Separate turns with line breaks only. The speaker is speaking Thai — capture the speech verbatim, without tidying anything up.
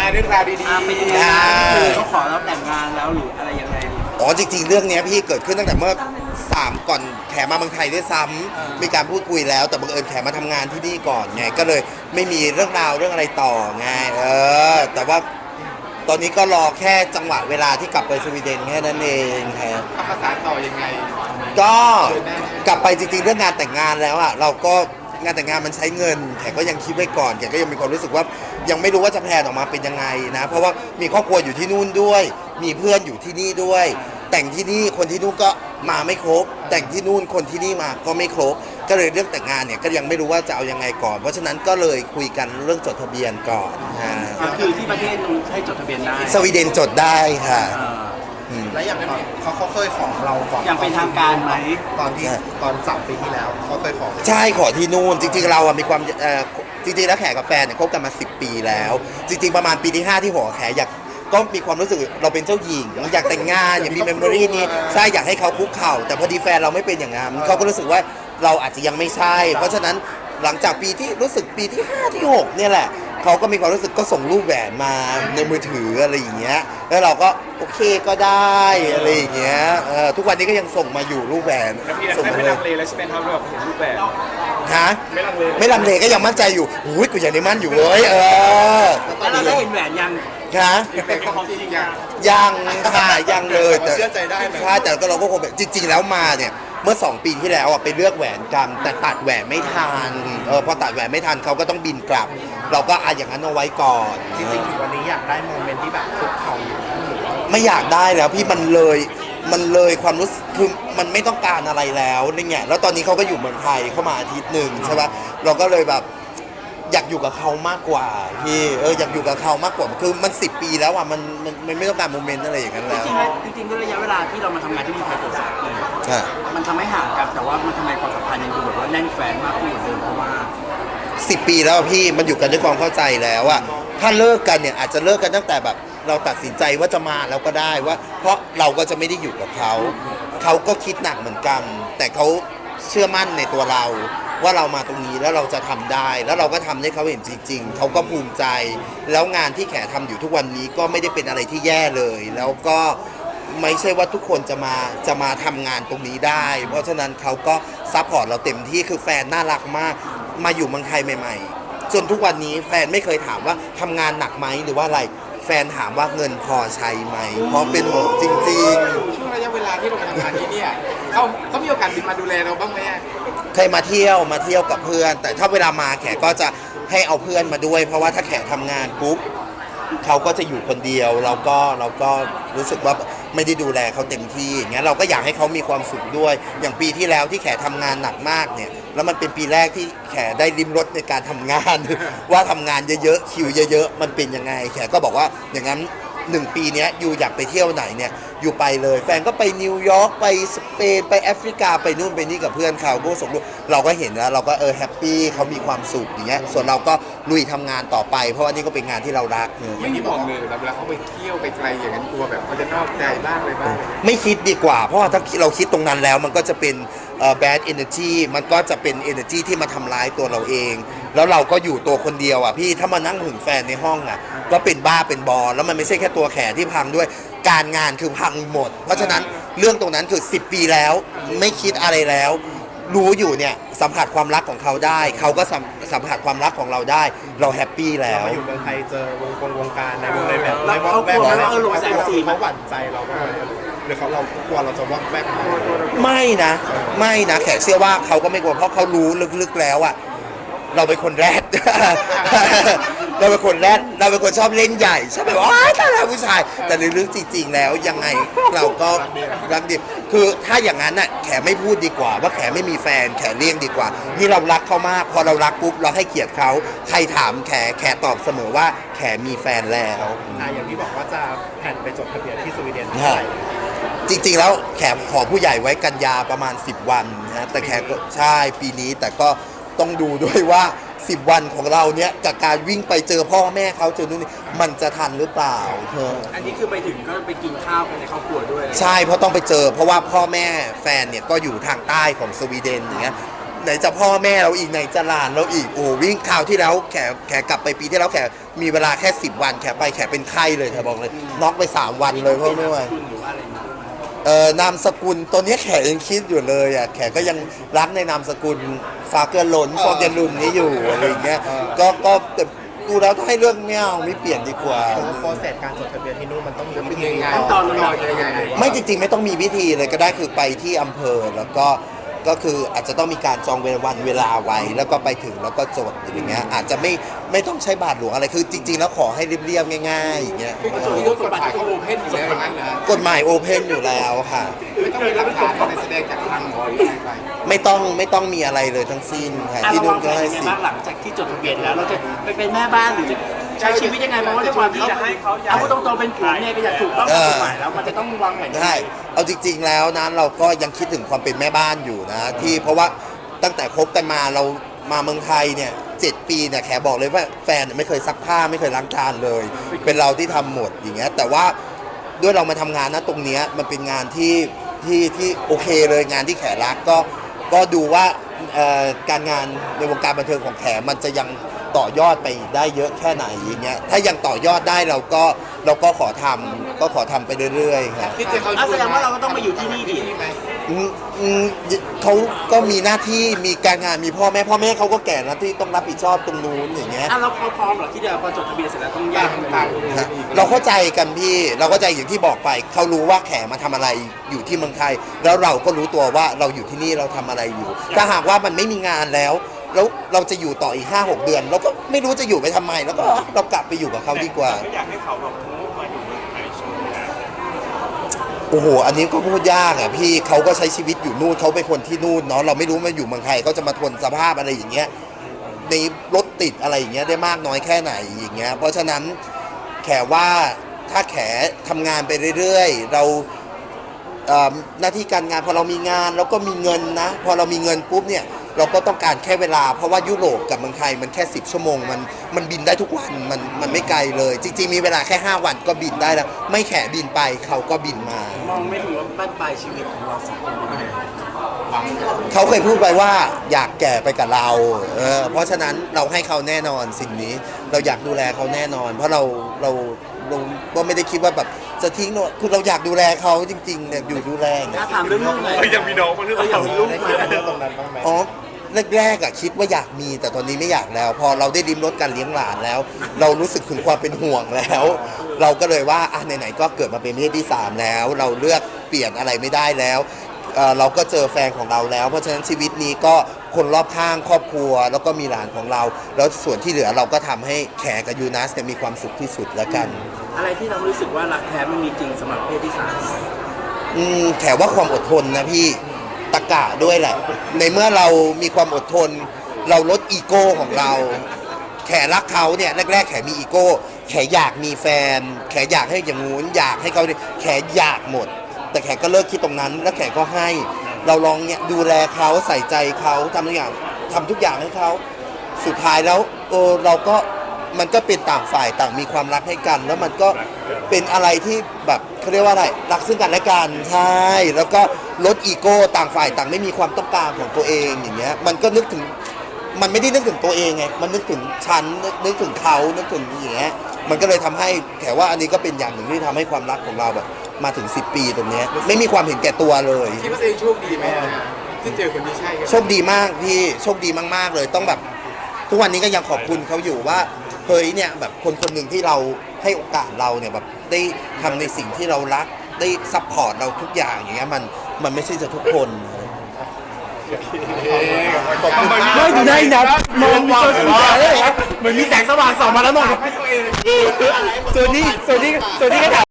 เรื่องราวดี
ๆเป็นยังไงบ้างคือเขาขอเราแต่งงานแล้วหรืออะไรยังไง
อ๋อจริงๆเรื่องนี้พี่เกิดขึ้นตั้งแต่เมื่อสามก่อนแขมาเมืองไทยด้วยซ้ำมีการพูดคุยแล้วแต่บังเอิญแขมาทำงานที่นี่ก่อนไงก็เลยไม่มีเรื่องราวเรื่องอะไรต่อไงเออแต่ว่าตอนนี้ก็รอแค่จังหวะเวลาที่กลับไปสวีเดนแค่นั้นเองครับ
ทำภาษาต่อยังไง
ก็กลับไปจริงๆเรื่องงานแต่งงานแล้วอ่ะเราก็งานแต่งงานมันใช้เงินแขก็ยังคิดไว้ก่อนแขก็ยังมีความรู้สึกว่ายังไม่รู้ว่าจะแพลนออกมาเป็นยังไงนะเพราะว่ามีครอบครัวอยู่ที่นู่นด้วยมีเพื่อนอยู่ที่นี่ด้วยแต่งที่นี่คนที่นู่นก็มาไม่ครบแต่งที่นู่นคนที่นี่มาก็ไม่ครบก็เลยเรื่องแต่งงานเนี่ยก็ยังไม่รู้ว่าจะเอายังไงก่อนเพราะฉะนั้นก็เลยคุยกันเรื่องจดทะเบียนก่อน
ก็คือที่ประเทศนู้นให้จดทะเบียนได้
สวีเดนจดได้ค่ะ
แล้วอย่างนั้นเขาเขาเคยขอเราก่อน
อย่างเป็นทางการไหม
ตอนที่ตอนสามปีที่แล้วเขาเคยขอ
ใช่ขอที่นู่นจริงๆเราอะมีความจริงๆแล้วแขกับแฟนเนี่ยคบกันมาสิบปีแล้วจริงๆประมาณปีที่ห้าที่หัวแขอยากก็มีความรู้สึกเราเป็นเจ้าหญิงอยากแต่งงานอยากมีเมมโมรี่นี้ใช่อยากให้เขาคุกเข่าแต่พอดีแฟนเราไม่เป็นอย่างนั้นเขาก็รู้สึกว่าเราอาจจะยังไม่ใช่เพราะฉะนั้นหลังจากปีที่รู้สึกปีที่ห้าที่หกเนี่ยแหละเขาก็มีความรู้สึกก็ส่งรูปแหวนมาในมือถืออะไรอย่างเงี้ยแล้วเราก็โอเคก็ได้อะไรอย่างเงี้ยทุกวันนี้ก็ยังส่งมาอยู่รูปแหวน
ส่งมาไม่ลังเลแล้วใช่ไหมครับแบบเห็นรูปแหวน
ฮะไม่ลังเลไม่ลังเลก็ยังมั่นใจอยู่อุ้ยกูยังได้มั่นอยู่เว้ยเออ
แล้วเราได้เห็นแหวนยัง
คะยังค่ะยังเลยแต่
เชื่อใจได้
ใช่แต่ก็เราก็คงจริงๆแล้วมาเนี่ยเมื่อสองปีที่แล้วอ่ะไปเลือกแหวนกันแต่ตัดแหวนไม่ทันเออพอตัดแหวนไม่ทันเขาก็ต้องบินกลับเราก็อ่ะอย่างนั้นเอาไว้ก่อน
จริงๆวันนี้อยากได้โมเมนต์ที่แบบคุกเข่าอยู่
ไม่อยากได้แล้วพี่มันเลยมันเลยความรู้สึกคือมันไม่ต้องการอะไรแล้วนี่ไงแล้วตอนนี้เขาก็อยู่เมืองไทยเข้ามาอาทิตย์หนึ่งใช่ปะเราก็เลยแบบอยากอยู่กับเขามากกว่าพี่เอออยากอยู่กับเขามากกว่าคือมันสิบปีแล้วอ่ะมันมันมันไม่ต้องการโมเมนต์อะไรอย่างนั้นแล้ว
จริงๆจริงๆด้วยระยะเวลาที่เรามาทำงานที่เมืองไทยเกือบสามปีมันทำให้ห่างกันแต่ว่ามันทำไมความสัมพันธ์ยังดูแบบว่าแน่นแฟ้นมากขึ้นเหมือนเดิมเพราะว่า
สิบปีแล้วพี่มันอยู่กันด้วยความเข้าใจแล้วอะถ้าเลิกกันเนี่ยอาจจะเลิกกันตั้งแต่แบบเราตัดสินใจว่าจะมาแล้วก็ได้ว่าเพราะเราก็จะไม่ได้อยู่กับเขาเขาก็คิดหนักเหมือนกัน แต่เขาเชื่อมั่นในตัวเราว่าเรามาตรงนี้แล้วเราจะทำได้แล้วเราก็ทำให้เขาเห็นจริงๆเขาก็ภูมิใจแล้วงานที่แขทำอยู่ทุกวันนี้ก็ไม่ได้เป็นอะไรที่แย่เลยแล้วก็ไม่ใช่ว่าทุกคนจะมาจะมาทำงานตรงนี้ได้เพราะฉะนั้นเขาก็ซัพพอร์ตเราเต็มที่คือแฟนน่ารักมากมาอยู่เมืองไทยใหม่ๆจนทุกวันนี้แฟนไม่เคยถามว่าทำงานหนักไหมหรือว่าอะไรแฟนถามว่าเงินพอใช้ไหมเพราะเป็นห่วงจริง
ๆช่วงระยะเวลาที่เราไปทำงานที่นี่เขาเขามีโอกาสบินมาดูแลเราบ้างไหม
เคยมาเที่ยวมาเที่ยวกับเพื่อนแต่ถ้าเวลามาแขกก็จะให้เอาเพื่อนมาด้วยเพราะว่าถ้าแขกทำงานปุ๊บเขาก็จะอยู่คนเดียวเราก็เราก็รู้สึกว่าไม่ได้ดูแลเขาเต็มที่อย่างเงี้ยเราก็อยากให้เขามีความสุขด้วยอย่างปีที่แล้วที่แขทำงานหนักมากเนี่ยแล้วมันเป็นปีแรกที่แขได้ริมรสในการทำงานว่าทำงานเยอะๆคิวเยอะๆมันเป็นยังไงแขก็บอกว่าอย่างนั้นหนึ่งปีนี้อยู่อยากไปเที่ยวไหนเนี่ยอยู่ไปเลยแฟนก็ไปนิวยอร์กไปสเปนไปแอฟริกาไปนู่นไปนี่กับเพื่อนเขาก็ส่งรูปเราก็เห็นแล้วเราก็เออแฮปปี้เขามีความสุขอย่างเงี้ยส่วนเราก็ลุยทำงานต่อไปเพราะว่านี่ก็เป็นงานที่เรารัก
อย่างที่บอกเลยเวลาเขาไปเที่ยวไปไกลอย่างนั้นกลัวแบบเขาจะนอกใจบ้างเลยบ้าง
ไม่คิดดีกว่าเพราะว่าถ้าเราคิดตรงนั้นแล้วมันก็จะเป็น bad energy มันก็จะเป็น energy ที่มาทำร้ายตัวเราเองแล้วเราก็อยู่ตัวคนเดียวอ่ะพี่ถ้ามานั่งหึงแฟนในห้องอ่ะก็เป็นบ้าเป็นบอแล้วมันไม่ใช่แค่ตัวแขที่พังด้วยการงานคือพังหมดเพราะฉะนั้นเรื่องตรงนั้นคือสิบปีแล้วไม่คิดอะไรแล้วรู้อยู่เนี่ยสัมผัสความรักของเขาได้เขาก็สัมผัสความรักของเราได้เราแฮปปี้แล้ว
เราอยู่เมืองไทยเจอวงกงวงการในวงในแบบ
ในวงแวกนั้นเออหลงแสงสี
เขาหวั่นใจเราบ้างหรือเขาเรากลัวเราจะวอกแวก
ไม่นะไม่นะแขกเชื่อว่าเขาก็ไม่กลัวเพราะเขารู้ลึกๆแล้วอะเราเป็นคนแรดเราเป็นคนแรดเราเป็นคนชอบเล่นใหญ่ชอบแบบว่าตายแล้วผู้ชายแต่ในเรื่องจริงๆแล้วยังไงเราก็รักดีคือถ้าอย่างนั้นน่ะแขไม่พูดดีกว่าว่าแขไม่มีแฟนแขเลี่ยงดีกว่านี่เรารักเขามากพอเรารักปุ๊บเราให้เกียรติเขาใครถามแขแขตอบเสมอว่าแขมีแฟนแล้ว
อย่างที่บอกว่าจะแผนไปจดทะเบียนที่สวีเดน
จริงๆแล้วแขขอผู้ใหญ่ไว้กันยาประมาณสิบวันนะแต่แขก็ใช่ปีนี้แต่ก็ต้องดูด้วยว่าสิบวันของเราเนี้ยกับการวิ่งไปเจอพ่อแม่เขาเจอนู่นนี่มันจะทันหรือเปล่าเธอ
อันนี้คือไปถึงก็ไปกินข้าวกันในครอบครัวด้วย
ใช่เพราะต้องไปเจอเพราะว่าพ่อแม่แฟนเนี่ยก็อยู่ทางใต้ของสวีเดนอย่างเงี้ยไหนจะพ่อแม่เราอีกไหนจะหลานเราอีกโอ้วิ่งข่าวที่แล้วแขแขกลับไปปีที่แล้วแขมีเวลาแค่สิบวันแขไปแขเป็นไข้เลยแขบอกเลยน็อกไปสามวันเลยเพราะไม่ไหว
คุณหรือว่าอะไรอย่างเงี้ยด้วยไหม
เอ่อนามสกุลตัวเนี้ยแขยังคิดอยู่เลยอ่ะแขก็ยังรักในนามสกุลฟาเกอร์หลนฟองเดลุนนี้อยู่อะไรอย่างเงี้ยก็ก็แต่ดูแล้วถ้าให้เรื่องไม่เอาไม่เปลี่ยนดีกว่า
โปรเซสการจดทะเบียนที่นู่นมันต้องมี
จะ
วิ
เป็น
ธี
ยังไง
ขั้นตอนมัน
รอยังไง
ไม่จริงๆไม่ต้องมีพิธีเลยก็ได้คือไปที่อำเภอแล้วก็ก็คืออาจจะต้องมีการจองเวลาวันเวลาไว้แล้วก็ไปถึงแล้วก็จดอย่างเงี้ยอาจจะไม่ไม่ต้องใช้บาทหลวงอะไรคือจริง ๆ แล้วขอให้เรียบๆง่ายๆอย่างเงี้ย
คือส่วนที่กฎหมายเขาโอเพนอยู่แล้วอย่างนั้นนะ
กฎหมายโอเพนอยู่แล้วค่ะ
ไม่ต้องมีหลักฐานอะไรแสดงจากทางหมอหรืออะไรไป
ไม่ต้องไม่ต้องมีอะไรเลยทั้งสิ้นค่ะ
อ่ะ
ที่
เรา
นู่
วาน งแผ
ก็
น
ให้
ยังไง
สิท
บ้าง
ธิ์
หลังจากที่จดทะเบียนแล้วเราจะไปเป็นแม่บ้านหรือจะใช้ชีวิตยังไงเพราะว่าด้วยความที่จะให้เขาเอาพูดตรงๆเป็นผัวเนี่ยก็อยากถูกต้องตามกฎหมายแล้วมันจะต้องวางแผนยังไง
ใช่เอาจริง ๆ แล้วนะเราก็ยังคิดถึงความเป็นแม่บ้านอยู่นะที่เพราะว่าตั้งแต่คบกันมาเรามาเมืองไทยเนี่ยเจ็ดปีเนี่ยแขบอกเลยว่าแฟนไม่เคยซักผ้าไม่เคยล้างจานเลย เป็นเราที่ทำหมดอย่างเงี้ยแต่ว่าด้วยเรามาทำงานนะตรงเนี้ยมันเป็นงานที่ที่ที่โอเคเลยงานที่แขรักก็ก็ดูว่าเอ่อการงานในวงการบันเทิงของแขมันจะยังต่อยอดไปได้เยอะแค่ไหนอย่างเงี้ยถ้ายังต่อยอดได้เราก็เราก็ขอทำก็ขอทำไปเรื่อยๆครับ
คิดจะเขา
อ่ะแสดงว่าเราก็ต้องมาอยู่ที่นี่ดิ
ไหม
อืมอืมเขาก็มีหน้าที่มีการงานมีพ่อแม่พ่อแม่เขาก็แก่แล้วที่ต้องรับผิดชอบตรงนู้นอย่างเงี้ย
อ่ะเราเขาพร้อมเหรอที่จะพอจดทะเบียนเสร็จแล้วต้องแย
ต่าก ง
กันไป
ต่าง
อยู่
ฮะเราเข้าใจกันพี่เราเข้าใจอย่างที่บอกไปเขารู้ว่าแขมาทำอะไรอยู่ที่เมืองไทย แล้วเราก็รู้ตัวว่าเราอยู่ที่นี่เราทำอะไรอยู่ถ้าหากว่ามันไม่มีงานแล้วแล้วเราจะอยู่ต่ออีกห้าหกเดือน เราก็ไม่รู้จะอยู่ไปทำไม แล้วก็เรากลับไปอยู่กับเขาดีกว่า
ไม่อยากให้เขาแบบมูฟมาอยู่เมืองไทยช่วงนี้
โอ้โห อันนี้ก็พูดยากอ่ะพี่เขาก็ใช้ชีวิตอยู่นู่นเขาเป็นคนที่นู่นเนาะเราไม่รู้มาอยู่เมืองไทยเขาจะมาทนสภาพอะไรอย่างเงี้ยในรถติดอะไรอย่างเงี้ยได้มากน้อยแค่ไหนอย่างเงี้ยเพราะฉะนั้นแขว่าถ้าแขทำงานไปเรื่อยๆเราเอ่อหน้าที่การงานพอเรามีงานเราก็มีเงินนะพอเรามีเงินปุ๊บเนี่ยเราก็ต้องการแค่เวลาเพราะว่ายุโรปกับเมืองไทยมันแค่สิบชั่วโมงมันมันบินได้ทุกวันมันมันไม่ไกลเลย จริงๆมีเวลาแค่ห้าวันก็บินได้แล้วไม่แขบินไปเขาก็บินมา
มองไม่ถึงว่าบ้านปลายชีวิตของเราสองคนเป็นยังไง
เขาเคยพูดไปว่าอยากแก่ไปกับเราเออเพราะฉะนั้นเราให้เขาแน่นอนสิ่งนี้ เราอยากดูแลเขาแน่นอน เพราะเราเราเราก็ไม่ได้คิดว่าแบบจะทิ้งเราคือเราอยากดูแลเขาจริงๆเนี่ยอยู่ดูแลอย่างเงี้
ถ้าย ถามเรื่องลูกเลย
เอ้ยยังมีน้องมาเรื่อง
เออยังมีลูก
ได้
ไหม
คิดเรื่องตรงนั้นบ้างไหม
อ๋อแรกๆอะคิดว่าอยากมีแต่ตอนนี้ไม่อยากแล้ว พอเราได้ริมรสการเลี้ยงหลานแล้ว เรารู้สึกถึงความเป็นห่วงแล้ว เราก็เลยว่าอ่ะไหนๆก็เกิดมาเป็นเพศที่สามแล้ว เราเลือกเปลี่ยนอะไรไม่ได้แล้วเอ่อเราก็เจอแฟนของเราแล้ว เพราะฉะนั้นชีวิตนี้ก็คนรอบข้างครอบครัว แล้วก็มีหลานของเรา แล้วส่วนที่เหลือเราก็ทำให้แขกกับยูนัสเนี่ยมีความสุขที่สุดแล้วกัน
อะไรที่เรารู้สึกว่ารักแท้มันมีจริงสำหรับเพศที่สาม
อืมแขกว่าความอดทนนะพี่ตะกะด้วยแหละ ในเมื่อเรามีความอดทน เราลดอีโก้ของเรา แขรักเขาเนี่ยแรกๆแขมีอีโก้ แขอยากมีแฟน แขอยากให้อย่างงู้นอยากให้เขาแขอยากหมด แต่แขก็เลิกคิดตรงนั้น แล้วแขก็ให้ เราลองเนี่ยดูแลเขาใส่ใจเขาทำทุกอย่างทำทุกอย่างให้เขาสุดท้ายแล้วเออเราก็มันก็เป็นต่างฝ่ายต่างมีความรักให้กัน แล้วมันก็เป็นอะไรที่แบบเขาเรียกว่าอะไรรักซึ่งกันและกันใช่แล้วก็ลดอีโก้ต่างฝ่ายต่างไม่มีความต้องการของตัวเองอย่างเงี้ยมันก็นึกถึงมันไม่ได้นึกถึงตัวเองไงมันนึกถึงฉันนึกนึกถึงเขานึกถึงอย่างเงี้ยมันก็เลยทำให้แถว่าอันนี้ก็เป็นอย่างหนึ่งที่ทำให้ความรักของเราแบบมาถึงสิบปีตรงเนี้ยไม่มีความเห็นแก่ตัวเลย
คิดว่าตัวเองโชคดีไหมที่เจอคนที่ใช่กัน
โชคดีมากพี่โชคดีมากๆเลยต้องแบบทุกวันนี้ก็ยังขอบคุณเขาอยู่ว่าเฮ้ยเนี่ยแบบคนคนหนึ่งที่เราให้โอกาสเราเนี่ยแบบได้ทำในสิ่งที่เรารักได้ซัพพอร์ตเราทุกอย่างอย่างเงี้ยมันมันไม่ใช่จะทุกคน
ไม่ดูได้นะมองมีตัวสนใจเลยเหมือนมีแสงสว่างส่องมาแล้วมอง
ให้ตัวเอง
ส่วนนี้ส่วนนี้ส่วนนี้ก็ถาม